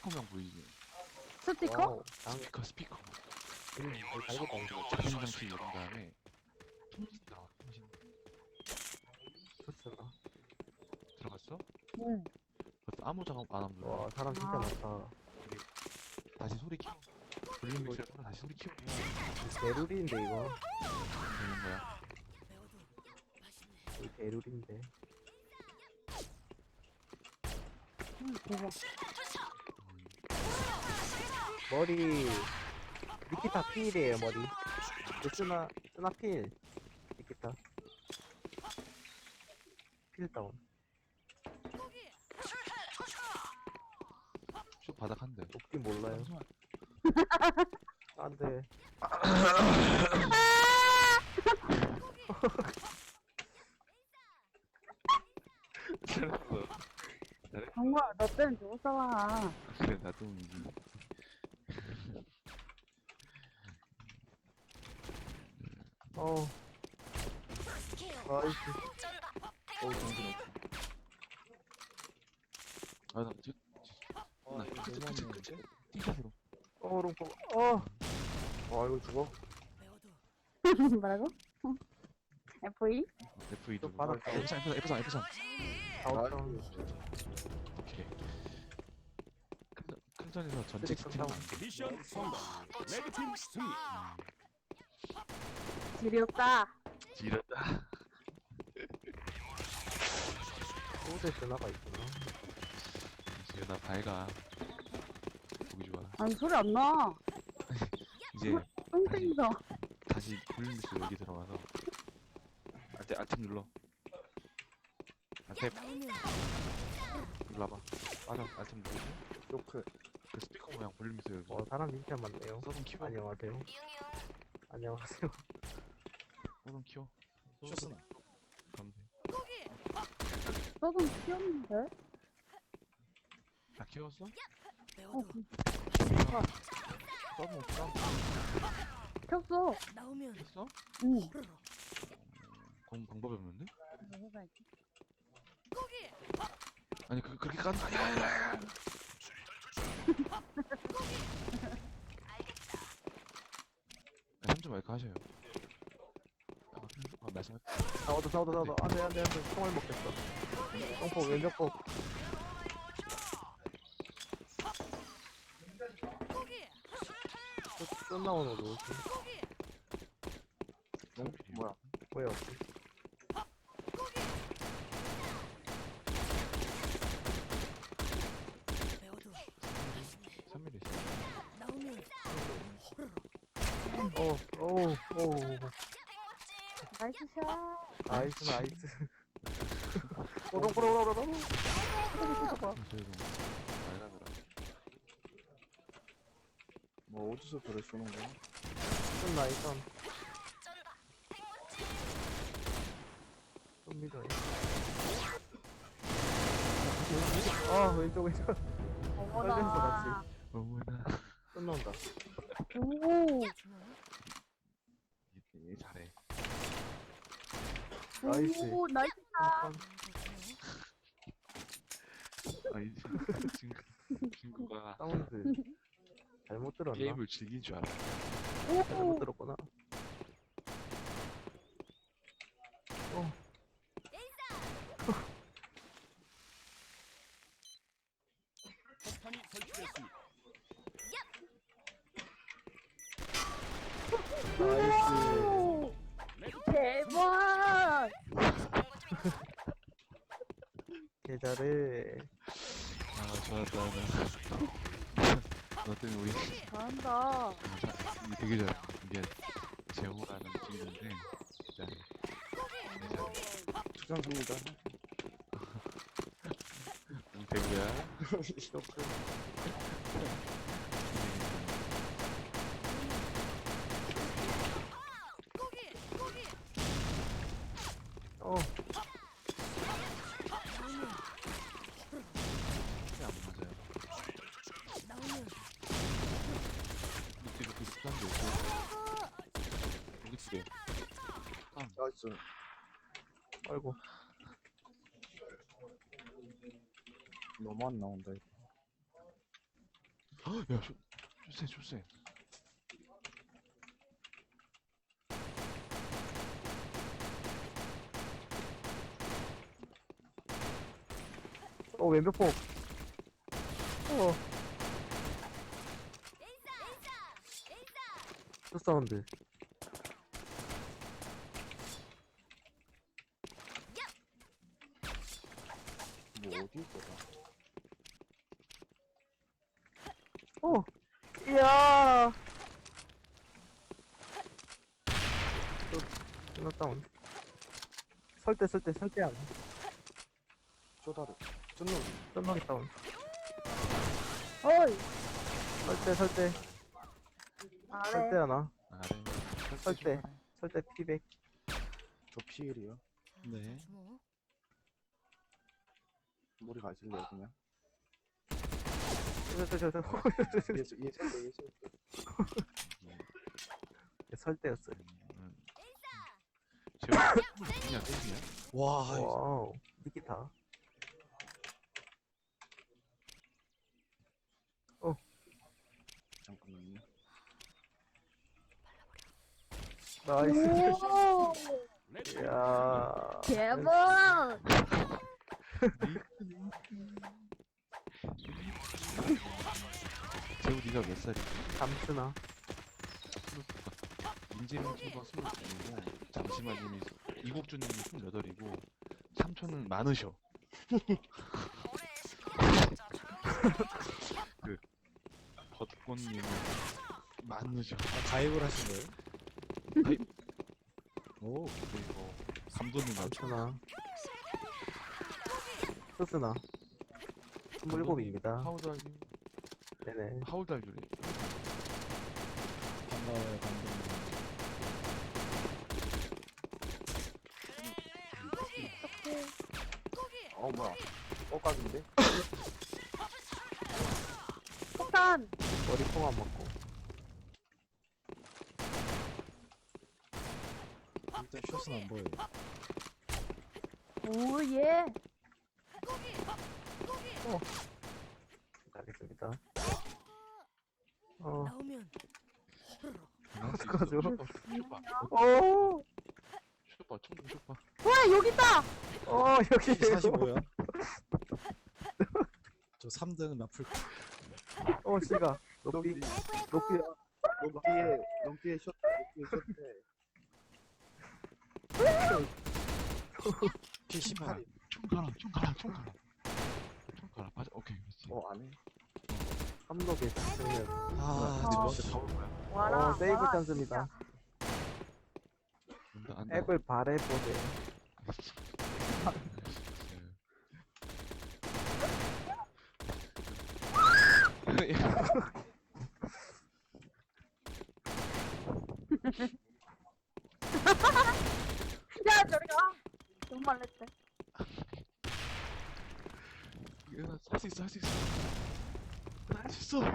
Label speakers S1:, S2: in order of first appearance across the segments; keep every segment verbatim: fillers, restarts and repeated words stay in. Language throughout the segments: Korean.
S1: 스피커명 보이지?
S2: 스티커?
S3: 와우, 장,
S1: 스피커 스피커
S3: 음, 잘 달겠다, 이거.
S1: 작은 장치 누른 다음에 통신 나와 통신
S3: 좋잖아.
S1: 들어갔어?
S2: 응.
S1: 그것도 아무 작업 안 하면 눌러.
S3: 와, 사람 진짜
S2: 아.
S3: 많다.
S1: 다시 소리 키워 볼륨 믹스를 끌어 다시 소리 키워
S3: 대룰인데, 이거.
S1: 되는 거야.
S3: 이 대룰인데.
S2: 응, 대박.
S3: 머리, 니키타 필이에요, 머리. 그 쓰나, 쓰나 필. 니키타. 필 다운.
S1: 쭉 바닥 한대.
S3: 높긴 몰라요. 안 돼.
S1: 잘했어.
S2: 정말, 너 때문에 죽었잖아.
S1: 그래 나도 이기.
S3: 어. 아이씨.
S1: 어우 정신 없어. 아나 저. 나 크크 크크 크크 띵크로.
S3: 어, 롱포. 어. 와, 이거 죽어.
S2: 뭐라고? 에프이?
S1: 에프 이
S3: 또
S1: 누르고.
S3: 바닥
S1: 에프 삼 에프 삼 에프 삼.
S3: 아웃다운.
S1: 오케이. 큰- 큰 전에서 전체
S3: 쓰리칸
S1: 스팀.
S3: 다운.
S4: 미션 성공. 레드팀 승리.
S2: 지렸다.
S1: 지렸다.
S3: 소대 전화가 있구나.
S1: 지금 나 밝아. 보기 좋아.
S2: 아니, 소리 안 나.
S1: 이제
S2: 똥땡이다.
S1: 다시 볼륨스 여기 들어가서 알트 알트 눌러. 알트 눌러봐. 맞아 알트 누르고
S3: 요크.
S1: 그 스피커 모양 볼륨스 여기.
S3: 어, 사람 진짜 많네요.
S1: 서든 키워.
S3: 안녕하세요. 안녕하세요.
S1: 서든 키워.
S4: 쇼스나.
S1: 그럼 돼.
S2: 너도 귀엽는데?
S1: 다 키웠어?
S2: 어,
S1: 서든 없어?
S2: 켰어.
S1: 했어?
S2: 응.
S1: 그럼 방법이 없는데?
S2: 이거 해봐야지.
S1: 아니 그 그렇게 깐 아니야 아니야. 삼 점 마이크 하셔요. 아, 아 말씀할 때.
S3: 싸워도 싸워도 싸워도. 안 돼, 안 돼, 안 돼. 총알 먹겠어. 똥포, 왼쪽 폭. 끝, 끝 나오는 거 뭐지?
S1: 뭐야?
S3: 뭐야?
S1: 삼 밀리 있어.
S3: 어, 오, 오.
S2: 나이스 샷.
S3: 나이스, 나이스. 오롱오롱오롱오롱.
S1: 저희도 말가느라.
S4: 뭐 어디서 그래 쏘는 거야?
S3: 좀 나이스. 좀 믿어. 아, 왼쪽, 왼쪽. 떨렸어,
S2: 어머나.
S3: 같이.
S1: 어머나.
S3: 끝 나온다.
S2: 오.
S1: 얘 잘해.
S3: 나이스.
S2: 오, 나이스 샷.
S1: 아니 친구 친구가
S3: 사운드. 잘못 들었나?
S1: 게임을 즐긴 줄 알아.
S3: 잘못
S2: 오.
S3: 들었구나. 어.
S4: 폭탄이 설치됐습니다.
S3: 나이스.
S2: 오.
S4: 레드팀
S2: 대박.
S3: 개 잘해.
S1: 아 좋았다 나. 너 때문에 우리
S2: 잘한다.
S1: 이게 되게 잘해. 이게 재호라는 친구인데 진짜 되게 잘해.
S4: 투장입니다.
S1: 응, 배구야.
S3: 쇼크. 어,
S1: 안 맞아요. 밑에 이렇게 습관도 있고 여기 두 개.
S4: 나이스.
S3: 아이고.
S4: 너무 안 나온다 이거.
S1: 야, 쇼, 쇼세, 쇼세.
S3: 어, 왼벽 폭. 어. 또 사운드.
S4: 뭐 어디 있어?
S3: 어. 이야. 또, 하나 다운. 설대, 설대, 설대 안.
S4: 쪼다르. 쫀노리.
S3: 쩐막이 다운.
S2: 어이.
S3: 설대, 설대.
S2: 아래.
S3: 설대 하나.
S1: 아래.
S3: 설대. 설대 피백.
S4: 저 피일이요.
S1: 네.
S4: 머리 가실래요 그냥?
S3: 저, 저, 저, 저.
S4: 얘 얘 설대 얘 설대.
S3: 설대였어요.
S1: 음. 제가 그냥 때리냐?
S4: 와.
S3: 와우. 니키타.
S4: 잠깐만요.
S3: 나이스.
S2: 오.
S3: 이야.
S2: 대박.
S1: 재우 니가 몇 살이야?
S3: 잠수나.
S1: 민재는 초가 스물두이고 잠시만님이 이국주님이 스물여덟이고 삼촌은 많으셔. 그 벚꽃님은 많으셔.
S4: 아, 가입을 하신 거예요?
S1: 가입?
S4: 오.
S1: 그리고 감독님 맞죠?
S3: 잠수나. 소스나. 스물일곱입니다.
S1: 하우달리
S3: 네네.
S1: 하우달리
S4: 반가워요 감독님. 어 뭐야? 엇각인데?
S2: 폭탄.
S3: 머리 콩 안 먹고.
S4: 일단 숏은 안 보여요.
S2: 오 예.
S3: 알겠습니다. 어.
S5: 나오면
S3: 어떡하죠?
S1: 쇼파
S3: 오.
S1: 쇼파 총 쇼파
S2: 와 여기 있다.
S3: 어, 여기.
S4: 사십오요. 저 삼 등 나풀.
S3: 어, 씨가. 높이. 높이.
S4: 넘기에 넘기에 숏 넘기에 숏. 피 십팔.
S1: 총 가라 총 가라 총 가라 총 가라 맞아 오케이 그렇지.
S4: 어 안해.
S3: 삼록에 승리를.
S4: 아
S2: 어.
S1: 너한테 다 올 거야.
S2: 와라.
S3: 어, 세이브
S2: 와라,
S3: 찬스입니다.
S1: 안다 안다.
S3: 앱을 바래보세요.
S2: 야 저리 가. 너무 말랬대.
S1: 할수 있어 할 수 있어 할 수 있어.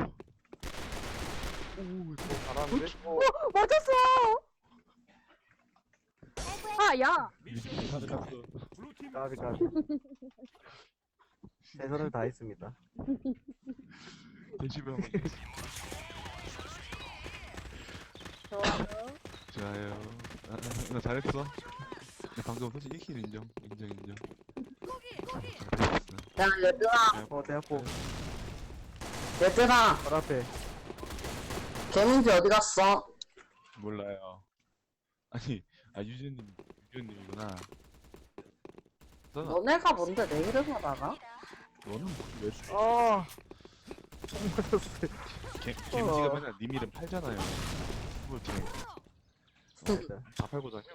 S1: 오 이거
S4: 잘하는데? 어.
S2: 맞았어. 아 야.
S4: 가득하고.
S3: 까비, 까비. 최선을 다했습니다.
S1: 대시병
S2: 좋아요.
S1: 좋아요. 아, 나 잘했어. 나 방금 솔직히 일 킬 인정 인정 인정. 잘했어.
S5: 야 얘들아
S3: 어, 대학포.
S5: 얘들아
S3: 바로 앞에.
S5: 개민지 어디 갔어?
S1: 몰라요. 아니 아 유진님 유진님이구나. 너는
S5: 너네가 뭔데 내 이름을 알아?
S1: 너는 왜
S3: 어. 총 맞았어요.
S1: 개, 개미지가 맨날 님 이름 팔잖아요. 그걸 되게
S3: 네.
S1: 다 팔고 다녀.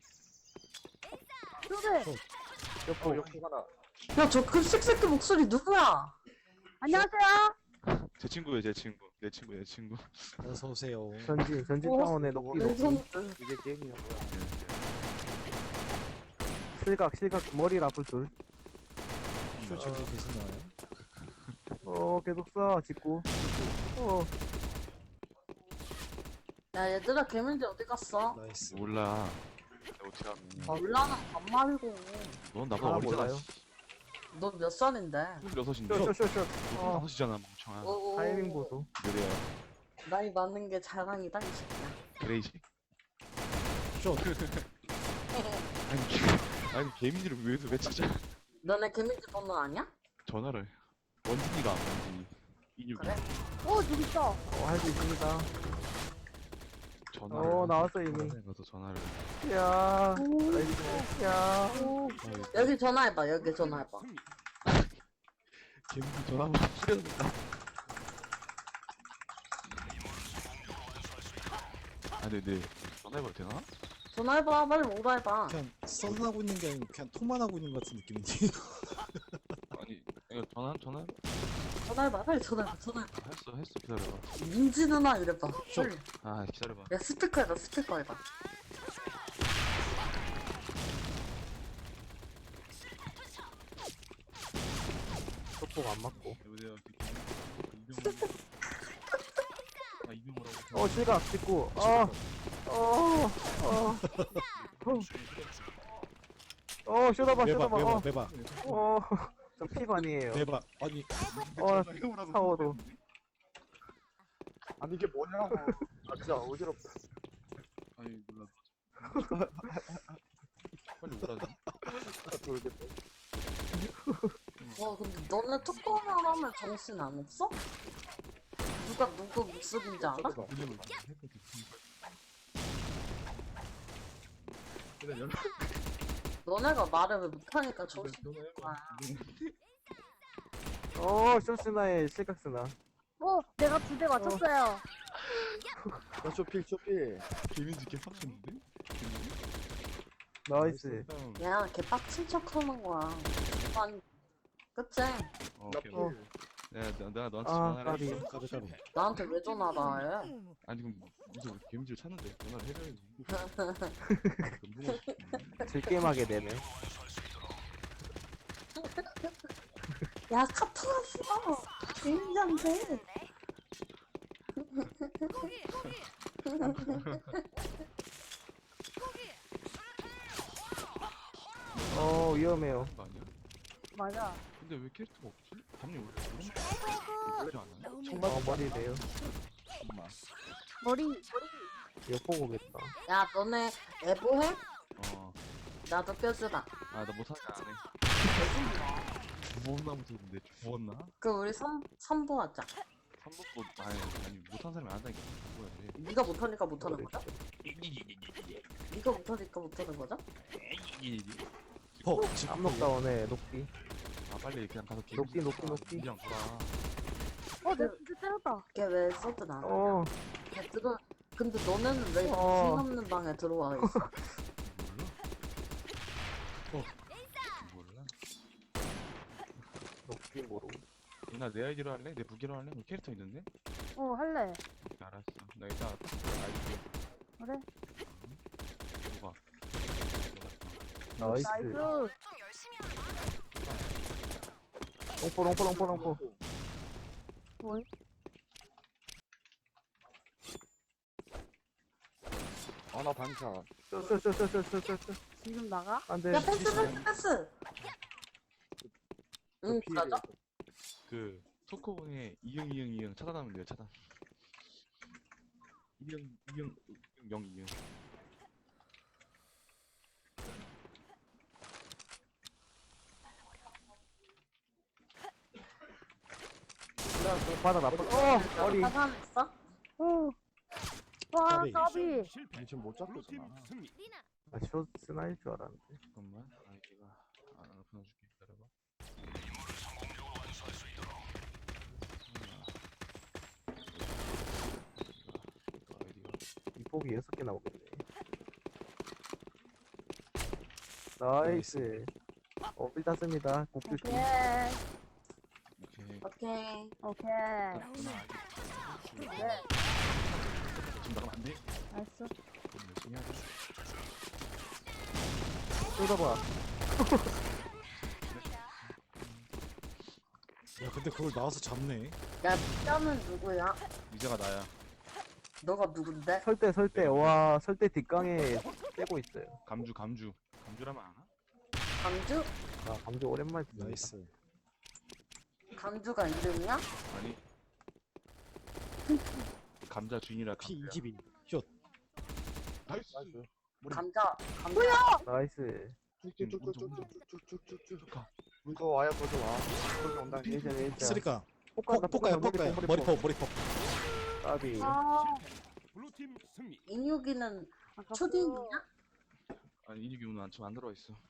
S2: 초대.
S3: 옆포.
S4: 여기 하나.
S5: 야저 급식새끼 목소리 누구야?
S2: 안녕하세요.
S1: 제 친구예요, 제 친구. 내 친구, 내 친구.
S4: 어서 오세요.
S3: 전진, 전진
S5: 어?
S3: 타운의 높이,
S5: 내
S3: 높이.
S5: 손
S4: 이게 게임이야 뭐야?
S3: 실각, 실각, 머리 라플 둘.
S4: 숏 저기 계속 나와요.
S3: 어, 계속 쏴, 직구. 어,
S5: 야 얘들아 개민지 어디 갔어?
S4: 나이스.
S1: 몰라. 내가 어떻게 하면.
S5: 몰라는 반말이고
S1: 넌 나보다
S3: 아,
S1: 어리잖아.
S3: 몰라요.
S1: 씨.
S5: 너 몇 살인데?
S1: 스물여섯인데
S3: 쇼쇼쇼쇼. 어.
S1: 다섯이잖아 멍청아.
S5: 오,
S3: 타이밍 보소.
S1: 그래요.
S5: 나이 많은 게 자랑이다 이 새끼야.
S1: 그레이지.
S4: 쇼.
S1: 아니 개- 아니 개미지를 왜, 왜 찾아?
S5: 너네 개미지 번호 아니야?
S1: 전화를 원진이가 안 원진이. 이육이.
S5: 그래?
S2: 어 저기 있어.
S3: 어, 할 수 있습니다.
S1: 전화를.
S3: 어, 나왔어, 이미.
S1: 가서 전화를.
S3: 야.
S2: 오.
S3: 나이스. 야.
S2: 오.
S1: 아,
S5: 여기 전화해봐. 여기 전화해봐.
S1: 개미지 전화 한번 뿌려준다. 아, 네네. 전화해봐도 되나?
S5: 전화해봐. 빨리 뭐라 해봐.
S4: 그냥 썬하고 있는 게 아니고 그냥 통만 하고 있는 것 같은 느낌인데.
S1: 아니, 이거 전화 전화
S5: 전화해봐. 빨리 전화해봐. 전화해봐.
S1: 아, 했어 했어 기다려봐.
S5: 민지 누나 이래봐. 빨리.
S1: 아 기다려봐.
S5: 야 스피커 해봐. 스피커 해봐.
S3: 속복 안 맞고.
S1: 여보세요. 이병호. 아 이병호라고.
S3: 어, 실각 찍고. 어. 어. 어. 어, 쇼다봐,
S4: 매봐
S3: 쇼다봐.
S4: 매봐
S3: 어.
S4: 매봐
S3: 어. 저 피반이에요.
S4: 매봐. 아니
S3: 어, 사워도.
S6: 아니 이게 뭐냐고. 아 진짜 어지럽다.
S1: 아니 몰라. 빨리 오라지.
S6: 모르겠다.
S5: 와 근데 너네 톡방을 하면 정신 안 없어? 누가 누구 목소리인지 알아?
S1: 그냥 그냥 연락
S5: 너네가 말을 왜 못하니까 정신
S1: 전화해봐.
S3: 어, 쇼스나의 실각스나.
S2: 어 내가 두 대 맞췄어요.
S6: 야 쇼필 쇼필.
S1: 개민지 개 빡쳤는데?
S3: 나이스.
S1: 형.
S5: 야, 걔 빡친 척 하는 거야. 아니, 그치?
S1: 어,
S6: 나
S1: 오케이.
S6: 필.
S3: 어.
S1: 내가 내가 내가 너한테
S3: 아,
S1: 전화를
S3: 까비.
S1: 했어.
S4: 까비 까비.
S5: 나한테 왜 전화를 해?
S1: 아니 그럼 무슨 개민지를 찾는데 전화를 해줘야지.
S3: 즐게임하게 되네.
S5: 야, 카톡 왔어! 개인지한테!
S3: 어, 위험해요.
S1: 거 아니야?
S2: 맞아.
S1: 근데 왜 캐릭터가 없지? 담요 원래 그러지 않아요?
S3: 어, 머리래요.
S2: 머리 머리.
S3: 이거 보고 오겠다.
S5: 야, 너네 애보해?
S1: 어.
S5: 나도 껴주라.
S1: 아 나 못하는 안 해. 주웠나 못했는데 주웠나?
S5: 그 우리 삼, 삼보 하자.
S1: 삼복도 아니 아니 못하는 사람이 안 한다니까. 뭐야 돼?
S5: 네가 못하니까 못하는 거죠? 네가 못하니까 못하는 거죠?
S4: 어
S3: 깜록다운에 녹비.
S1: 아 빨리 그냥 가서 개
S3: 녹비, 녹비, 녹비.
S1: 그냥 돌아.
S2: 어 내가 진짜 때렸다.
S5: 걔 왜 서든 안 하냐?
S3: 어,
S5: 걔 들어... 근데 너네는 왜
S3: 어.
S5: 무슨 없는 방에 들어와 있어?
S1: 몰라? 몰라?
S3: 녹비 모르고.
S1: 나 내 아이디로 할래? 내 무기로 할래? 너 캐릭터 있는데?
S2: 어 할래.
S1: 알았어. 나 이따 아이디
S2: 그래.
S1: 누가?
S3: 나이스.
S2: 나이스.
S3: 롱포, 롱포, 롱포, 롱포.
S2: 뭐이?
S6: 아나 반샷.
S3: 쇼, 쇼, 쇼, 쇼, 쇼, 쇼, 쇼, 쇼.
S2: 지금 나가?
S3: 안 돼.
S5: 야, 패스, 패스, 패스! 응, 맞아?
S1: 그 토크본에 이응 이응 이응 차단하면 돼요. 차단. 이응 이응 이응 영 이응.
S3: 바닥 나빠. 어, 머리.
S5: 사산했어?
S2: 오. 와
S4: 까비.
S2: 까비.
S6: 아니 지금 못 잡겠잖아.
S3: 아, 쇼 스나일 줄 알았는데.
S1: 잠깐만. 아이디가 아 보내줄게. 기다려봐. 아이디가
S3: 이폭이 여섯 개 나오겠네. 나이스. 어, 빌 땄습니다. 곡줄 중.
S2: 오케이.
S1: 오케이.
S5: 오케이.
S2: 오케이.
S1: 나
S2: 네.
S1: 지금 나가면 안 돼?
S2: 알았어.
S1: 그럼 열심히 하자.
S3: 쏟아봐.
S4: 야 근데 그걸 나와서 잡네.
S5: 야, 뼈는 누구야?
S1: 이제가 나야.
S5: 너가 누군데?
S3: 설대, 설대. 와, 설대 뒷강에 떼고 있어요.
S1: 감주 감주. 감주라면 아나?
S5: 강주?
S3: 아, 감주 오랜만에 듣는다.
S4: 나이스.
S5: 감주가 이름이야?
S1: 아니 감자 주인이라
S4: 피
S1: 감자야.
S4: 이십인. 슛.
S1: 나이스.
S6: 나이스.
S5: 감자, 감자.
S3: 나이스.
S6: 쭉쭉쭉쭉쭉쭉쭉쭉쭉 가. 문서 와요, 거기 와. 거기 온다.
S3: 일전 일전.
S4: 쓰리까.
S3: 폭 간다,
S4: 폭 가요, 폭 가요. 머리
S3: 폭.
S4: 폭, 머리 폭.
S3: 까비.
S2: 아,
S7: 블루팀 승리.
S5: 인육이는
S2: 아깝다.
S5: 초딩이냐?
S1: 아니 인육이 오늘 안, 지금 안 들어와 있어.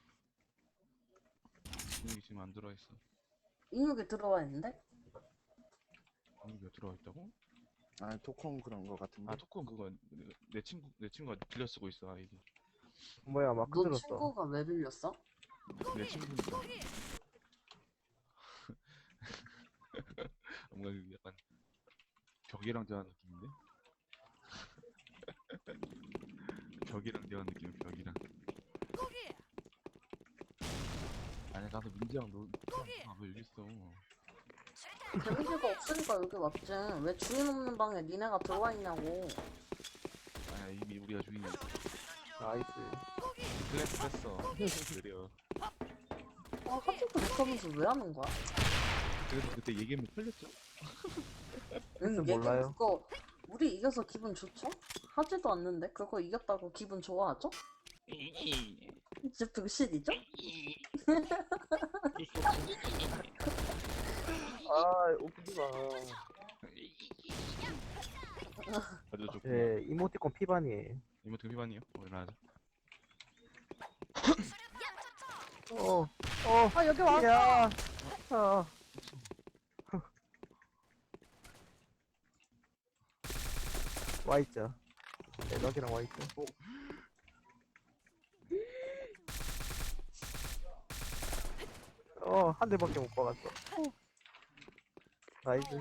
S1: 인육이 지금 안 들어와 있어.
S5: 인육이 들어와 있는데?
S1: 인육이 들어와 있다고?
S6: 아, 토콩 그런 거 같은데.
S1: 아 토큰 그거 내, 내 친구 내 친구가 빌려 쓰고 있어 아이디.
S3: 뭐야, 막
S5: 너
S3: 흔들었어.
S5: 친구가 왜 빌렸어?
S1: 내 친구니까. 뭔가 그 약간 벽이랑 대화하는 느낌인데? 벽이랑 대화하는 느낌, 벽이랑. 아니 나도 민지랑 너, 아왜 여기 있어?
S5: 데미지가 없으니까 여기 왔지. 왜 주인 없는 방에 니네가 들어와 있냐고.
S1: 아야 이미 우리가 주인이야.
S3: 나이스.
S1: 클래스 했어. 느려.
S5: 아, 하트도 못하면서 왜 하는 거야?
S1: 그래서 그때 얘기하면 풀렸죠?
S5: 응,
S3: 글쎄,
S5: 얘기
S3: 몰라요.
S5: 그거 우리 이겨서 기분 좋죠? 하지도 않는데 그거 이겼다고 기분 좋아하죠? 진짜 병신이죠?
S3: 아, 웃기지 마.
S1: 아주 좋고.
S3: 예, 이모티콘 피반이에요.
S1: 이모트 피반이요? 어 일어나자.
S3: 어, 어,
S2: 아, 여기 와.
S3: 야. 아. 와있죠. 대박이랑 와있죠. 어, 한 대밖에 못 박았어. 나이스.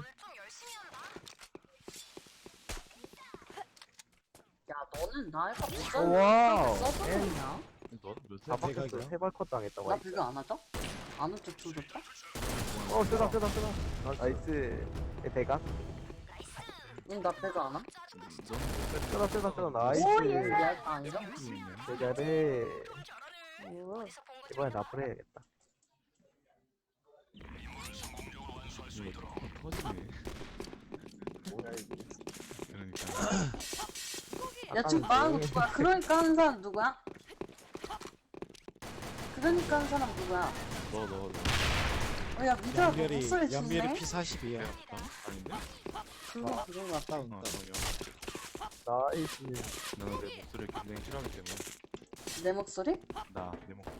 S5: 야 너는 나이가 못
S3: 어, 와우.
S5: 써보냐?
S1: 너몇
S3: 다
S1: 살?
S3: 박혔어.
S4: 대각이야?
S3: 세발 컷 당했다.
S5: 나
S3: 와있죠.
S5: 비교 안 하죠? 안 웃죠 조졌다?
S3: 어, 쓰다, 쓰다, 쓰다. 나이스. 예, 대각.
S5: 응, 나 배그 안 함?
S3: 쓰다, 쓰다, 쓰다. 나이스.
S2: 오, 예.
S5: 야, 아니죠?
S3: 잘해.
S2: 오,
S3: 이번에 나쁘게 해야겠다.
S1: 이거 터지네.
S6: 뭐야, 이게.
S1: 그러니까.
S5: 야 지금 말하는 거 누구야? 그러니까 하는 사람 누구야? 그러니까 하는 사람 누구야?
S1: 너 너 너.
S5: 어, 야 미드야 너
S4: 연별이,
S5: 목소리
S4: 연별이
S5: 좋네?
S4: 피 사십이야.
S1: 아닌데?
S5: 그거 그거 같다.
S4: 다운,
S1: 어,
S4: 다운.
S3: 나이스.
S1: 나는 내 목소리를 굉장히 싫어하기 때문에
S5: 내 목소리?
S1: 나 내 목소리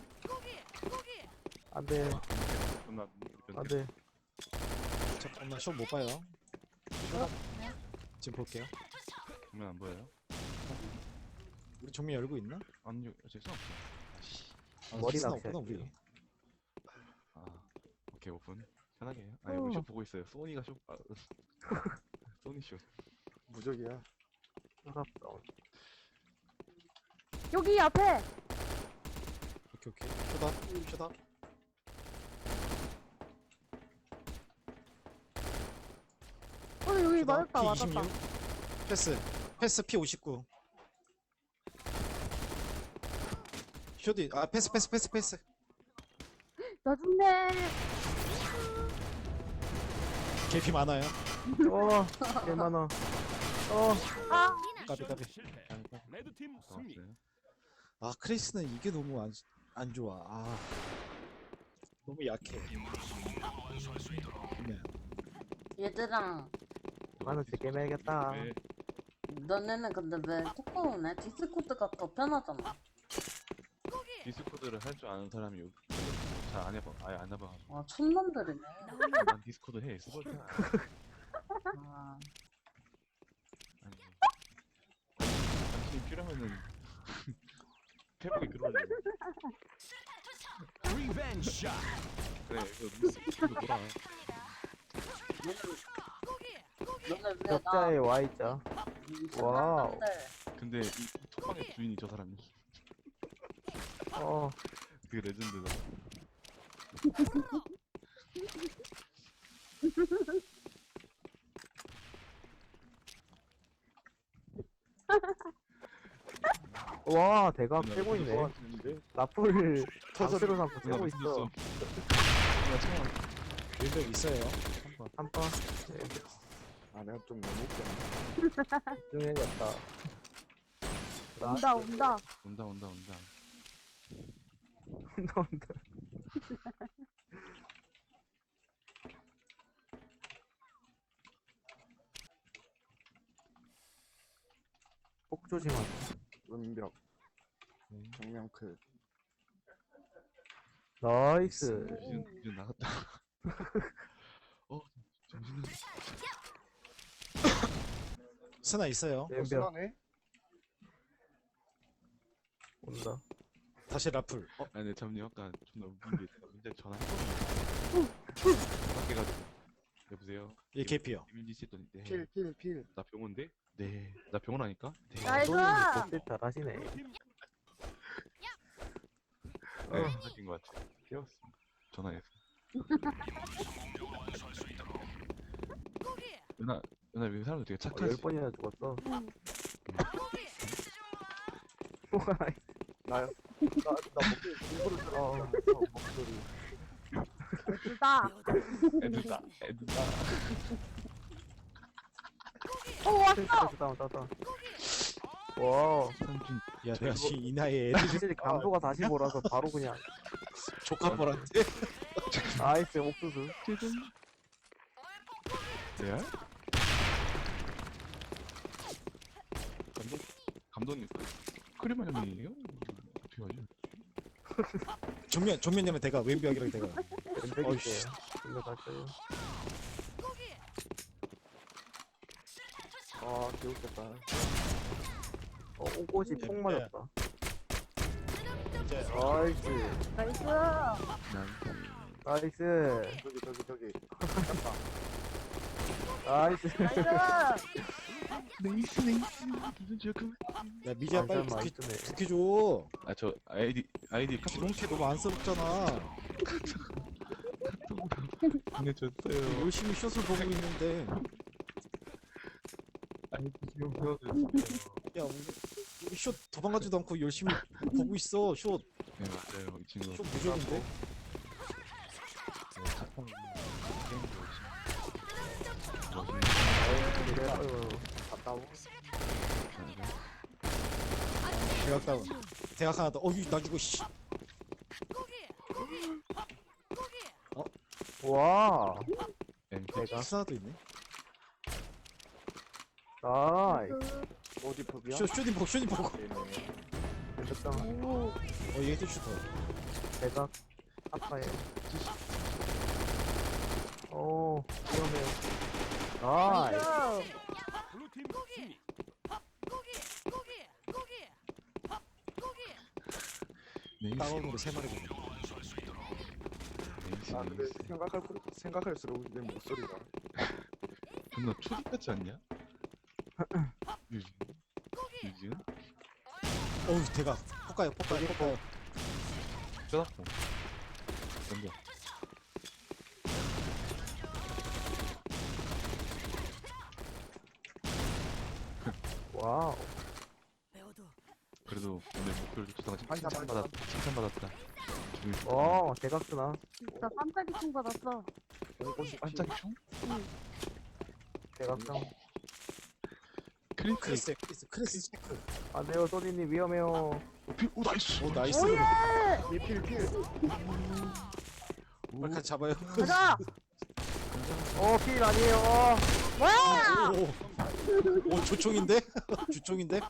S3: 안 돼,
S1: 존나
S3: 안 돼.
S4: 잠깐만, 슛 못 봐요. 지금 볼게요.
S1: 보면 안 보여요?
S4: 우리 정면 열고 있나?
S1: 아니요 재수 없어.
S4: 아,
S3: 머리
S4: 키스나
S3: 낚시할게요.
S4: 없구나, 우리.
S1: 아 오케이 오픈 편하게 해요. 아니 우리
S3: 어.
S1: 쇼 보고 있어요. 소니가 쇼 아, 소니 쇼.
S6: 무적이야.
S3: 아깝다.
S2: 여기 앞에.
S4: 오케이, 오케이. 슛업, 슛업.
S2: 어, 여기
S4: 슛업.
S2: 맞았다,
S4: 피
S2: 맞았다.
S4: 이십육. 패스. 패스 피 오십구. 슛이, 아, 패스, 패스, 패스, 패스.
S2: 나 죽네.
S4: 개피 많아요.
S3: 어, 개만어. 어,
S2: 아,
S4: 까비, 까비.
S7: 실패. 레드팀 승리.
S1: 나왔어요.
S4: 아, 크리스는 이게 너무 안, 안 좋아. 아. 너무 약해. 네.
S5: 얘들아
S3: 나는 제 게임 해야겠다.
S1: 왜
S5: 너네는 근데 왜 토크오네? 디스코드가 더 편하잖아.
S1: 디스코드를 할 줄 아는 사람이 잘 안 해봐. 아예 안 해봐.
S5: 와 촌놈들이네.
S1: 난 디스코드 해. 스벌트야.
S5: 아,
S1: 아니 당신이 필요하면은 페북에 글올려.
S7: 리벤지 샷.
S1: 그래 이거 디스코드 놀아.
S5: 너네 왜
S3: 적자에
S5: 나
S3: 와있죠. 와우.
S1: 근데 이 톡방의 주인이 저 사람이.
S3: 어,
S1: 되게 레전드다.
S3: 와, 대각
S1: 나
S3: 빼고 있네.
S1: 그거 좋아하는데
S6: 있는데?
S3: 라플
S6: 터져-
S3: 터스로 삼고
S1: 누나
S3: 쓰고
S1: 왜
S3: 있어.
S1: 숨겼어? 누나 창원.
S4: 왼벽 있어요.
S3: 한 번.
S6: 아 내가 좀 너무 웃겼네.
S3: 중해졌다.
S2: 온다 온다.
S1: 온다 온다 온다.
S3: 나온다. 폭 조심하자.
S6: 은벽. 정면 클.
S3: 나이스.
S1: 이제 이제 나갔다. 어 정신을.
S4: 스나 있어요.
S3: 왼벽
S6: 순하네?
S3: 온다.
S4: 다시 라플. 어,
S1: 아니 근데 잠님 아까 존나 웃긴 게 제가 민재 전화했거든요. 밖에 가지고 여보세요.
S4: 얘 개피요.
S1: 이민지 씨 했더니 네.
S6: 필, 필, 필.
S1: 나 병원데? 네. 나 병원 아니까? 네.
S2: 나이스.
S3: 복습 잘하시네.
S7: 블루팀
S1: 네, 전화긴 것 같아. 깨웠습니다. 전화해서. 누나, 누나 왜 사람들 되게
S3: 어, 열
S1: 착하지?
S3: 번이나 죽었어.
S6: 나요? 나, 나 목소리 일부러 들어. 어, 목소리.
S2: 둘다.
S1: 애들다, 애들다.
S2: 오 왔어.
S3: 스트레스 다운 다운. 와.
S1: 삼촌,
S4: 야, 내가 지금 이 나이에 애들
S3: 확실히 감도가 사십오라서 바로 그냥
S4: 조카뻘한테.
S3: 나이스 옥수수.
S1: 레알? 감독, 감독님, 크리마 형님이에요? 어떻게 하지?
S4: 정면, 정면이면 대가, 왼벽이랑 대가.
S3: 왼백이세요. 일로 갈게요.
S6: 아, 개웃겼다.
S3: 어, 옷이 폭
S4: 예,
S3: 맞았다.
S4: 이제,
S3: 나이스.
S2: 나이스.
S1: 난,
S3: 나이스.
S6: 저기, 저기, 저기.
S3: 나이스.
S2: 나이스.
S1: 네이스, 네이스. 무슨 지금?
S4: 야, 미지야, 빨리
S3: 많이
S4: 부키,
S3: 뜨네.
S4: 부키줘.
S1: 아, 저 아이디, 아이디 카톡
S4: 주렁캐 너무 안쓰럽잖아.
S1: 보내줬어요.
S4: 열심히 숏을 보고 있는데.
S1: 아이디 지금 보내줬어요.
S4: 야, 우리, 우리 숏 도망가지도 않고 열심히 보고 있어. 숏,
S1: 네, 맞아요. 이 친구.
S4: 숏 무적인데?
S1: 네, 카톡 게임 좋지.
S3: 이래, 아유.
S6: 갔다 오.
S4: 대각 다운. 대각 하나 더. 어이, 나 죽어, 씨.
S3: 와.
S1: 엠피.
S3: 내가.
S4: 스나도 있네.
S3: 나이스.
S6: 어디 법이야?
S4: 숏, 숏이 보고, 숏이 보고.
S6: 네네.
S3: 됐다.
S2: 오.
S4: 어, 얘 또 슈터.
S3: 대각. 아파요. 오, 위험해요. 나이스.
S2: 나이스.
S7: 블루팀 승리.
S1: 네이스.
S4: 다운으로 세 마리 보네.
S1: 네이스.
S6: 아, 근데
S1: 네이스.
S6: 생각할, 생각할수록 내 목소리가.
S1: 존나 초딩 같지 않냐? 유진. 유진?
S4: 어우, 대각. 폭가요, 폭가요, 폭가요.
S1: 쩌다포. 던져.
S3: 와우.
S1: 그래도 오늘 목표를 좋다가
S6: 반찬,
S1: 칭찬받았, 칭찬받았다. 기분이 좋다.
S3: 와, 대각 쓰나?
S2: 진짜 깜짝이 총 받았어.
S6: 공고시
S1: 반짝이 총?
S3: 대각 상.
S1: 크리스.
S4: 크리스, 크리스, 크리스 체크.
S3: 안 돼요, 소니님 위험해요.
S1: 오, 나이스.
S4: 오, 나이스.
S2: 오예.
S6: 필, 필.
S4: 빨리 같이 잡아요.
S2: 가자.
S3: 어, 필 아니에요. 어.
S2: 와.
S4: 오, 오, 조총인데? 주총인데?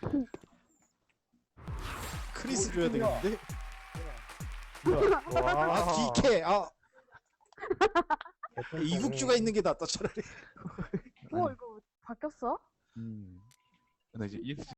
S4: 크리스 줘야 되겠는데?
S3: 와.
S4: 아, 디케! 아, 이국주가 있는 게 낫다, 차라리.
S2: 오 이거 바뀌었어?
S1: 음. 나 이제 이엑스